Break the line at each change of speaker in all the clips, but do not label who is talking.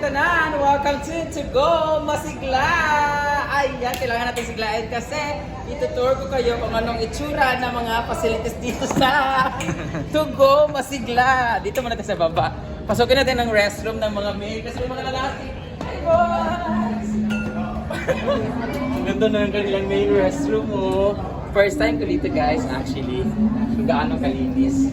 tanan! Welcome to Go Masigla! Ayan, kailangan natin siglain kasi itutour ko kayo kung anong itsura ng mga facilities dito sa To Go Masigla. Dito muna tayo sa baba. Pasukin natin ang restroom ng mga maid kasi may mga lalaki. Hi boys! Ang ganda na ng kanilang main restroom mo. First time ko dito guys actually. Kung gaano kalinis.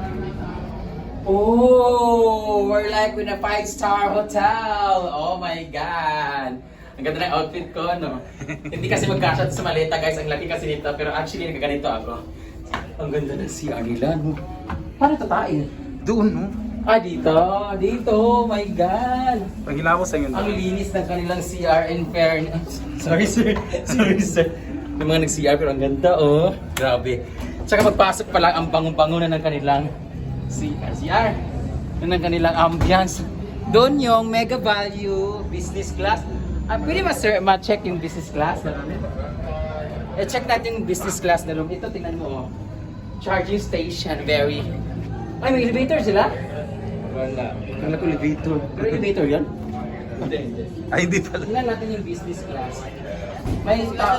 Oh, we're like in a 5-star hotel. Oh my God. Ang ganda ng outfit ko, no? Hindi kasi magkasya sa maleta, guys. Ang laki kasi nito. Pero actually, nagkaganito ako. Ang ganda ng CR nila, no? Paano tatain?
Doon, no?
Ah, dito. Dito. Oh my God.
Pagila ko sa inyo.
Ang linis ng kanilang CR in fairness. Sorry, sir. Sorry, sir. May mga nag-CR pero ang ganda, oh. Grabe. Tsaka magpasok pa lang ang bango-bango na ng kanilang CR. Yun ang kanilang ambience. Doon yung mega value business class. Pwede ba sir ma-check yung business class? Check natin yung business class na room. Ito tingnan mo oh. Charging station, very... Ay, may elevator sila?
Wala.
Kala ko elevator. Pero elevator yan? Hindi.
Ay, hindi pala.
Tingnan natin yung business class. May tao.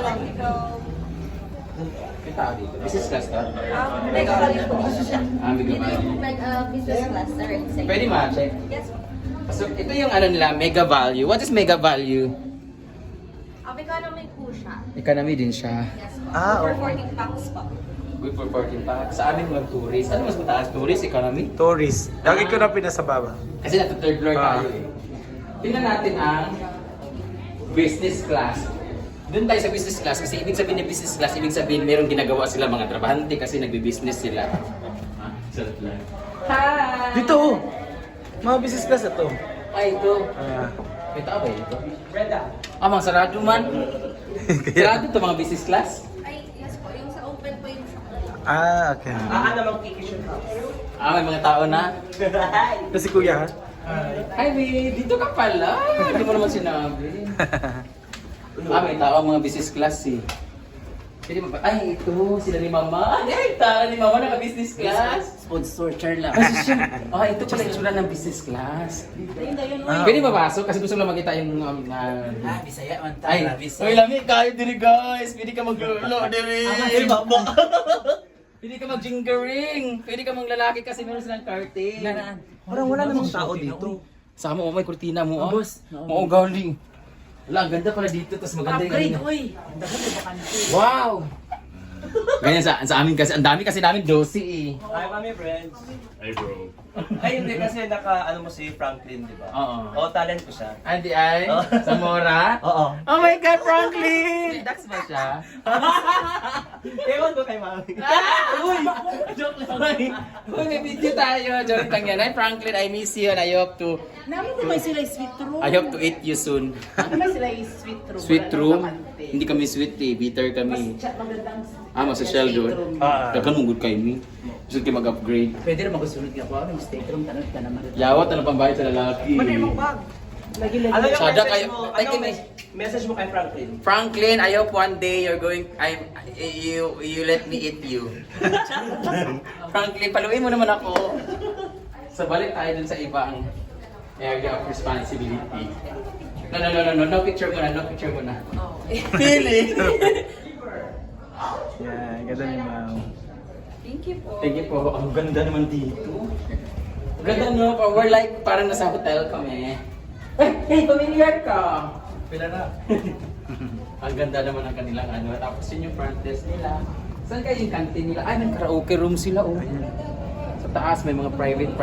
May tao dito. Business class to?
Mega value po siya.
Mega value.
Business class, sir. Inside.
Pwede ma-check?
Yes po.
So, ito yung ano nila, mega value. What is mega value?
Economy po siya.
Economy din siya.
Yes po.
Ah,
For
okay.
14 pounds po.
Good for 14 packs. Sa amin mga tourist. Ano mas mataas? Tourist, economy?
Tourist. Lagi ko na pinasababa.
Kasi nasa third floor tayo eh. Tingnan natin ang business class. Doon tayo sa business class kasi ibig sabihin ng business class, ibig sabihin merong ginagawa sila mga trabahante kasi nagbi-business sila. Sarap lang. Hi!
Dito, oh. Mga business class na to.
Ay, ito. May tao ba ito? Brenda. Mga sarado man. Sarado ito mga business class?
Ay, yes po. Yung sa open po yung shop.
Okay.
May mga tao na.
Kasi kuya, ha?
Hi, babe. Dito ka pala. Hindi mo naman sinabi. May tao ang mga business class eh. Pwede mo ba? Ay, ito. Sila ni Mama. Ay, tao ni Mama naka-business class.
Sponsor, Charla.
Ito pala yung sura ng business class.
Ah,
Pwede mapasok kasi gusto ko lang makita yung...
Bisaya man
Ay,
ta, Bisaya.
uy, lami kayo diri guys. Pwede ka maglulo diri. Pwede ka mag-jingering. Pwede ka maglalaki kasi meron silang curtain.
Parang wala namang tao dito.
Sama mo, may kurtina mo.
Oh, boss.
Oo, galing. Wala, ang ganda pala dito. Tapos maganda
Upgrade,
yung...
oy. Ang dami ng bakante.
Wow! Ganyan sa amin kasi, ang dami kasi namin dosi eh.
Hi, mami friends.
Hey bro.
Ay, hindi kasi ano mo si Franklin, di ba?
Oo.
Oo, talent ko siya.
Andi ay?
Oh.
Zamora?
Oo.
Oh my God, Franklin! Dax ba siya?
Ewan ko kay mami.
Uy! Joke lang. Uy, may video tayo. Joke lang yan. Hi, Franklin, I miss you and I hope to
Namin ko may sila sweet room.
I hope to eat you soon.
May sila sweet room.
Sweet
Wala
room?
nang bakante.
Hindi kami sweet eh. Bitter kami.
Magandang
Masosyal doon. Dagan mong good kayo ni. Gusto kayo mag-upgrade.
Pwede rin magusunod ka po. Ano yung steak room? Tanong ka naman.
Yawat na pambayad sa lalaki.
bag? Lagi-lagi.
Ano yung
Sada
message
kayo.
mo?
Ay,
Ano
kay-
message mo kay Franklin?
Franklin, I hope one day you're going, you let me eat you. Franklin, paluin mo naman ako. So balik tayo dun sa ibang area of responsibility. No picture mo na, no picture mo na. Pili!
Yeah, ganda ni ma'am.
Thank you po.
Thank you po. Ang ganda naman dito. Ang ganda no, we're like parang nasa hotel kami. Hey, familiar ka!
Pila na.
Ang ganda naman ng kanilang ano. Tapos yun yung front desk nila. Saan kayo yung canteen nila? Ay, may karaoke room sila oh. Sa taas may mga private.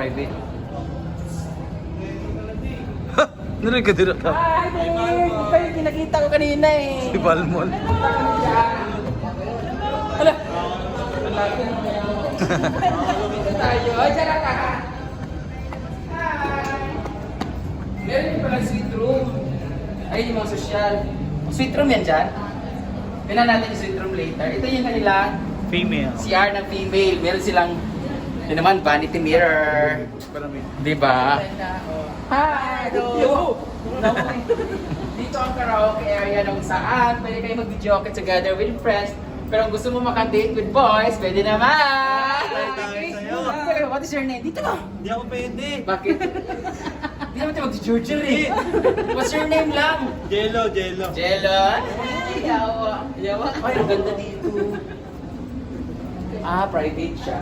Narin ka dito ka.
Ay, babe! Kayo kinakita ko kanina eh.
Si Balmol.
Hala! Ang laki naman yan. Dito tayo. Ay, tara ka! Hi! Meron din pala sweet room. Ay, yung mga sosyal. Sweet room yan dyan? Pinan natin yung sweet room later. Ito yung kanilang
Female.
CR ng female. Meron silang, yun naman, vanity mirror.
Parami.
Diba? Hi! Hello! Dito ang karaoke area nung saan pwede kayo mag-joke together with friends. Pero kung gusto mo makadate with boys, pwede naman!
Tayo sa'yo.
What is your name? Dito ka!
Hindi ako pwede.
Bakit? Hindi naman tayo mag-Georgia eh. What's your name lang?
Jello, Jello.
Jello. Ay, yawa. Yawa. Ay, ang ganda dito. Ah, private siya.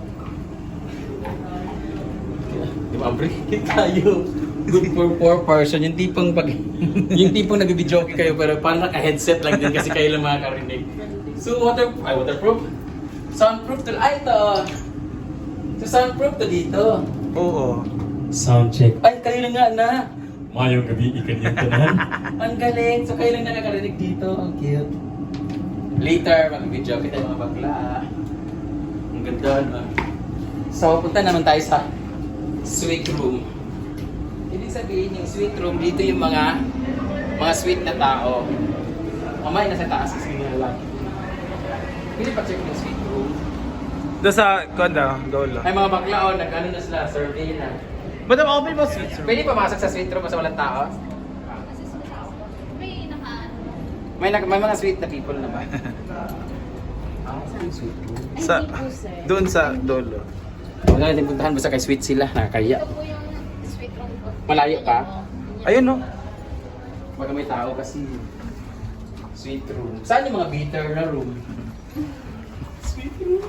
Di ba, break tayo. Good for 4 person. Yung tipong pag... yung tipong nag-video kayo pero parang naka-headset lang din kasi kayo lang makakarinig. So, waterproof? Soundproof to... Ay, ito. So, soundproof to dito.
Oo.
Sound check. Ay, kayo lang nga na. Mayong gabi, ikan yung tanan. Ang galing. So, kayo lang nakakarinig dito. Ang cute. Later, mag-video kita yung mga bakla. Ang ganda, no? So, punta naman tayo sa suite room. Ibig sabihin, yung suite room, dito yung mga sweet na tao. Mamay, nasa taas kasi nga lang. Pwede pa check yung suite room.
Doon sa Konda, Dolo.
Ay, mga bakla, oh, nag-ano na sila, survey na.
Madam, open mo switch room.
Pwede pumasok sa suite room basta walang tao?
May
May mga sweet na people na ba? Saan yung sweet room?
Sa, doon sa Dolo.
Huwag na natin puntahan basta kay sweet sila, nakakaya.
Ito po yung sweet room ko.
Malayo ka?
Ayun, no?
Baka may tao kasi sweet room. Saan yung mga bitter na room? Sweet room.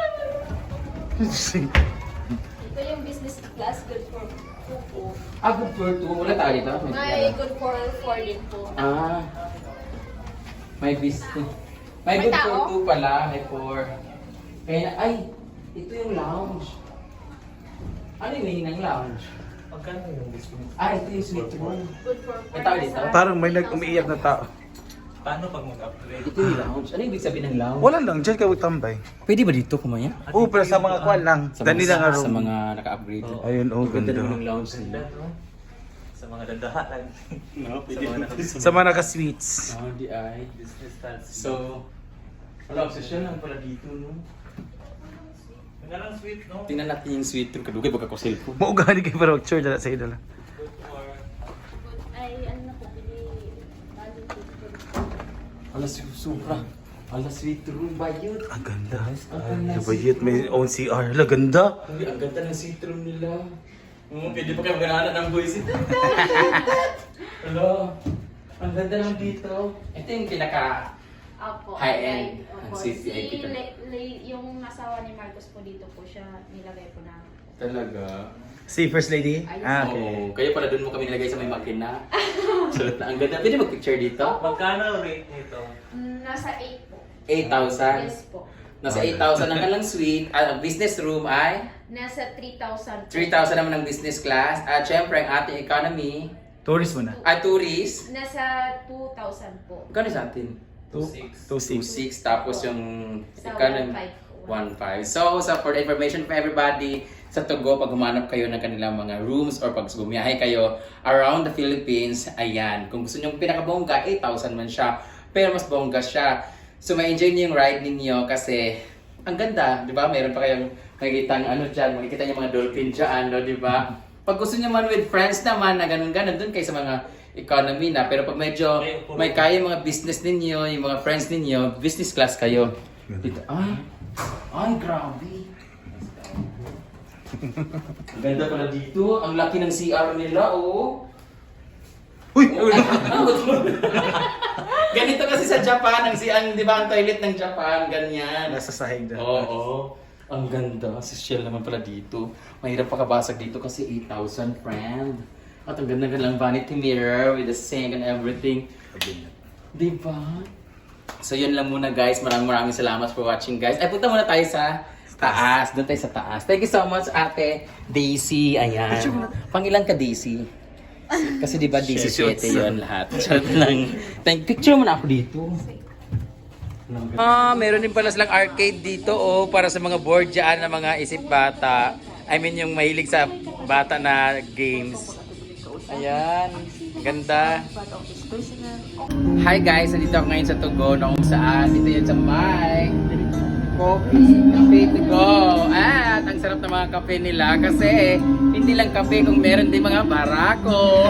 Ito yung business class, good for 2 po.
Good for 2. Wala tayo dito?
May good for 4 din po.
May business. May
May
good for
tao?
2 pala, may 4. Kaya, ay, ito yung lounge. Ano yung meaning ng lounge?
Magkano yung business?
Ito yung sweet room.
Good for 4.
May tao dito?
Parang may umiiyak na tao.
Paano pag mag-upgrade?
Ito yung lounge. Ano yung ibig sabihin ng lounge?
Wala lang, dyan ka tambay.
Pwede ba dito kumaya?
Oo, pero sa mga kwan lang. Dani lang nga
Sa
room.
mga naka-upgrade.
Ayun, oh,
Ganda
ganda.
naman ng lounge nila.
Sa mga dandahan.
No,
Sa mga
Sa mga naka-sweets.
di ay.
business class.
So, wala, obsession lang pala dito, no?
Yung lang sweet, no?
Tingnan natin yung sweet room. Kadugay, baka ko cellphone.
Maugani kayo para mag-chore dala sa idala.
Good for...
Ay, ano na po, bili. Value
Ala, supra. Ala, sweet room ba yun?
Ang ganda.
Ang
Diba yun? May own CR. Hala, ganda.
Hindi, ang ganda ng sweet room nila. Pwede pa kayo maganahan ng voice. Hello. Ang ganda lang dito. Ito yung pinaka...
Opo.
High-end.
Opo.
Ang CCIP ka.
Yung asawa ni Marcos po dito po siya nilagay po namin.
Talaga.
Si First Lady? Ah, okay.
Oo. Kaya pala doon mo kami nilagay sa may makina. Sulit na. Ang ganda. Pwede mag-picture dito?
Magkano rate nito?
Nasa 8 po.
8,000.
Yes po.
Nasa 8,000 ang kalang suite. Ang business room ay
Nasa 3,000 po.
3,000 naman ang business class. At syempre, ang ating economy
Tourist mo na.
at tourist.
Nasa 2,000 po.
Kano sa atin?
2.6.
2,600. Tapos yung
Sa
economy
1,500.
1,500. So, for the information for everybody, sa Togo, pag humanap kayo ng kanilang mga rooms or pag bumiyahe kayo around the Philippines, ayan. Kung gusto nyo pinakabongga, 8,000 man siya. Pero mas bongga siya. So, ma-enjoy niyo yung ride ninyo kasi ang ganda, di ba? Mayroon pa kayong makikita makikita niyo mga dolphin dyan, no? Di ba? Pag gusto niyo man with friends naman na ganun-ganun, dun kayo sa mga economy na. Pero pag medyo may kaya mga business ninyo, yung mga friends ninyo, business class kayo. Dito, ay, grabe. Ang ganda pala dito. Ang laki ng CR nila, oh.
Uy!
Ganito kasi sa Japan, di ba ang toilet ng Japan, ganyan.
Nasa sahig na.
Oo. Ang ganda. Social naman pala dito. Mahirap pakabasag dito kasi 8,000, friend. At ang ganda-ganda lang vanity mirror with the sink and everything. Di ba? So yun lang muna guys. Maraming salamat for watching guys. Ay, punta muna tayo sa taas. Doon tayo sa taas. Thank you so much, Ate Daisy. Ayan. Pangilan ka, Daisy? Kasi di ba Daisy 7 yun lahat. Chat lang. Picture mo na ako dito. Meron din pala silang arcade dito para sa mga board dyan na mga isip bata. I mean yung mahilig sa bata na games. Ayan, ganda. Hi guys, nandito ako ngayon sa Togo na kung saan. Dito yan sa may coffee, cafe to go. At ang sarap ng mga kape nila kasi hindi lang kape kung meron din mga barako.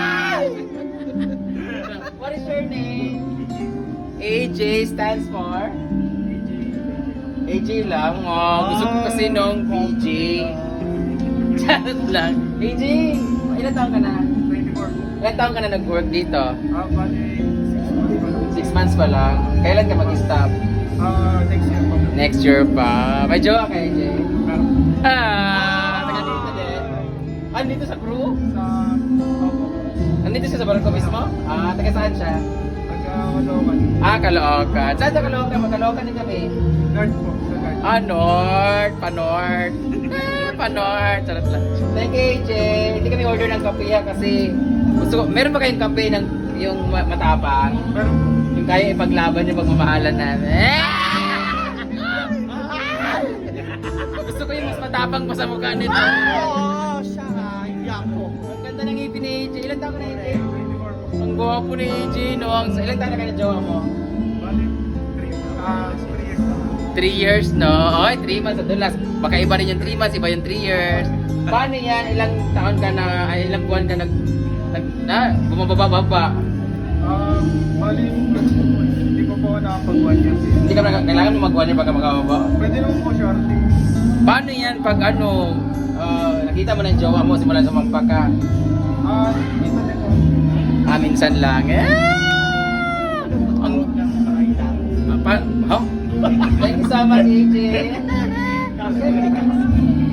What is your name? AJ stands for? AJ lang. Oh, gusto ko kasi nung PJ. Charot lang. AJ! ilan taon ka na?
24.
Ilan taon ka na nag-work dito?
Bali,
6 months pa lang. Kailan ka mag-stop?
Next year po.
Next year pa. May jowa ka, AJ? Taga dito din. Dito sa crew?
Sa
Nandito siya sa barangay mismo? Taga saan siya?
Nagkakalokan.
Caloocan. Saan sa Caloocan? Mag-Caloocan din kami.
Guard po. Sa guard.
North. Pa-North. Pa-North. Charot lang. Thank you, AJ. Hindi kami order ng kape ha, kasi gusto ko, meron ba kayong kape ng yung matapang?
Pero
Yung kaya ipaglaban yung pagmamahalan namin. Gusto ko yung mas matapang pa sa mukha nito.
Oo, siya nga. Hindi ako.
Ang ganda ng ngipin ni AJ. Ilan taon ka na, AJ?
24 po.
Ang gwapo ni AJ, no? Ilan taon na kayo na jowa mo?
Bali, 3 years na.
3 years, no? Okay, 3 months. Adulas. Baka iba rin yung 3 months, iba yung 3 years. Paano yan? Ilang taon ka na, ay ilang buwan ka bumababa?
Bali, hindi ko po nakapag-1 years.
Hindi ka na, kailangan mo mag-1 year pagka makababa.
Pwede naman po shorting.
Paano yan pag ano, nakita mo na yung jowa mo, simula sa magpaka?
Dito din po.
Minsan lang. Ang, Thank you so much, AJ.